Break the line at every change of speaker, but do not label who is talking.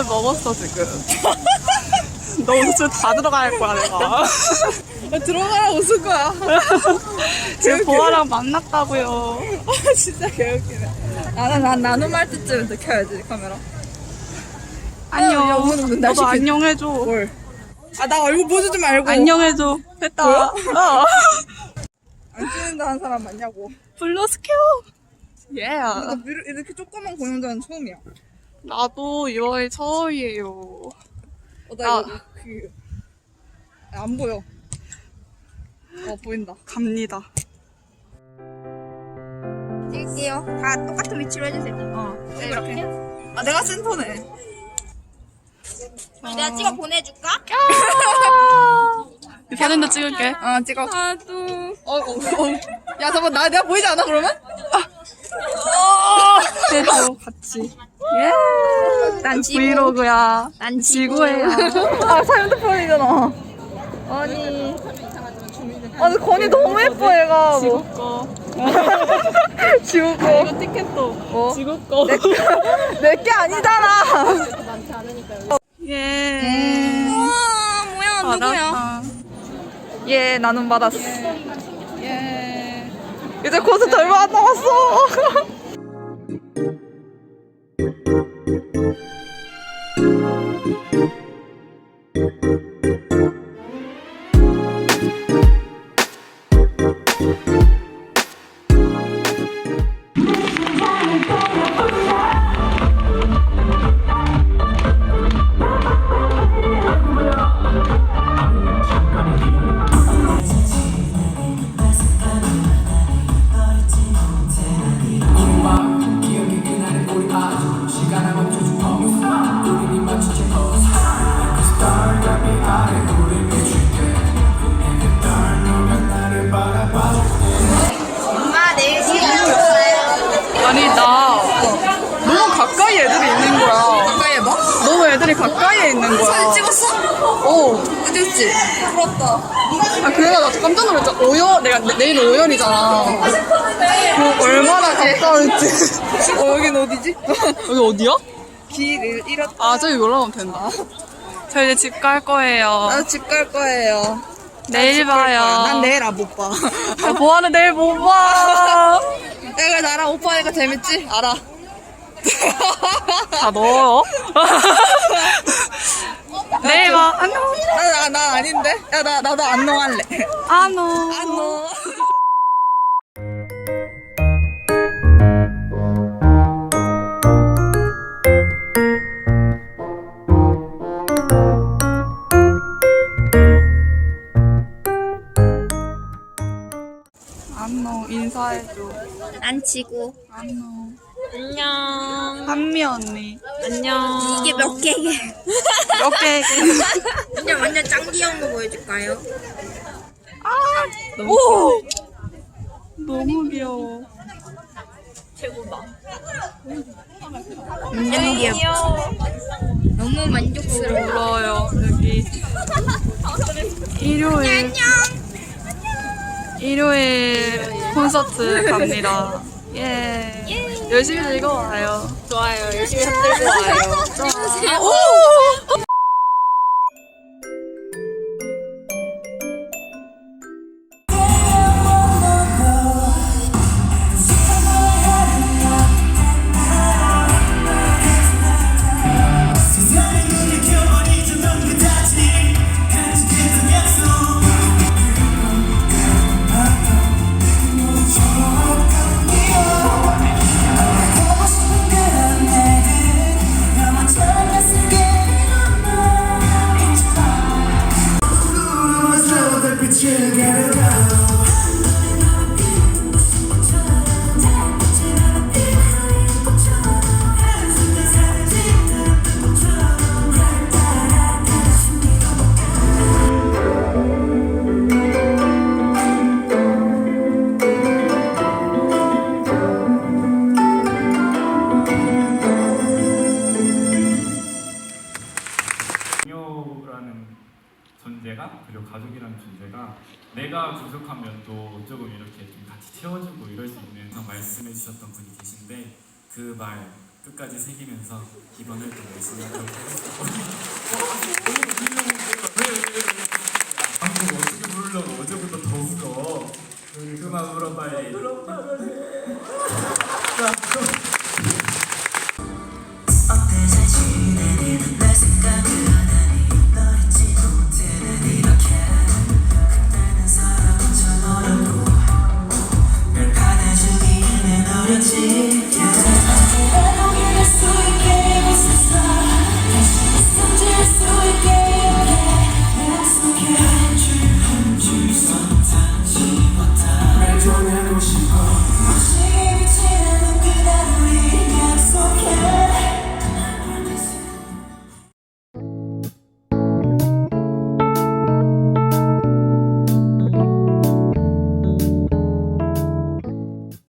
밥을 먹었어 지금. 너 옷을 다 들어갈 거야 내가.
들어가라 웃을 거야.
지금 보아랑 만났다고요.
진짜 개웃기네. 난 나눔할 때쯤 더 켜야지 카메라.
안녕.
야, 오늘 날
너도
시켰-
안녕해줘.
뭘? 나 얼굴 보여주지 말고.
안녕해줘. 했다.
뭐야?
어.
안 찍는다 한 사람 맞냐고.
블루스퀘어. 예.
이렇게 조그만 공연장은 처음이야.
나도 2월 처음이에요.
나 이거 안 보여. 보인다.
갑니다.
찍을게요. 다 똑같은 위치로 해주세요.
네, 이렇게. 내가 센터네.
내가 찍어 보내줄까?
사진도 찍을게.
찍어.
나도.
야, 잠깐, 내가 보이지 않아, 그러면?
해줘 같이. 예.
난 지구.
브이로그야.
난
지구예요.
핸드폰이잖아. 아니. 근데 건이 너무 예뻐, 얘가.
지구 거.
지우 거.
이거 티켓도. 지구 거.
내게 아니잖아.
예.
우와, 뭐야, 누구야?
받았다.
예, 나눔 받았어.
예.
이제 콘서트 얼마 안 남았어.
엄마 내일 시간 없어요.
아니 나 너무 가까이 애들이 있는 거야.
가까이 해봐.
너무 애들이 가까이에 있는 거야.
사진 찍었어? 찍었지? 부럽다.
그래가 나 깜짝 놀랐잖아. 내가 내일 5열이잖아. 얼마나 가까울지.
여긴 어디지?
여기 어디야?
길을 잃었다.
아 저기 올라가면 된다. 저 이제 집 갈 거예요.
나 집 갈 거예요.
내일 봐요.
난 내일 못 봐.
보아는 내일 못 봐.
내가 나랑 오빠니까 재밌지? 알아.
다 넣어요. 내일 봐. 안녕.
나 아닌데? 야, 나도 안녕 할래.
안녕.
안녕.
안녕. 인사해줘.
난 지구.
안녕.
안녕.
한미 언니.
안녕. 이게 몇 개게?
몇 개?
완전 짱 귀여운 거 보여줄까요?
오! 너무 귀여워.
완전 귀여워. 너무 만족스러워.
울어요. 여기. 일요일. 일요일 콘서트 갑니다. 예. 열심히 즐거워요.
좋아요. 열심히 흔들고 와요.
존재가 그리고 가족이라는 존재가 내가 부족하면 또 조금 이렇게 좀 같이 채워주고 이럴 수 있는 말씀해 주셨던 분이 계신데 그 말 끝까지 새기면서 이번 활동 열심히 하도록 하겠습니다. 방금 어떻게 부르려고 어제부터 더 울어. 그만 울어 빨리.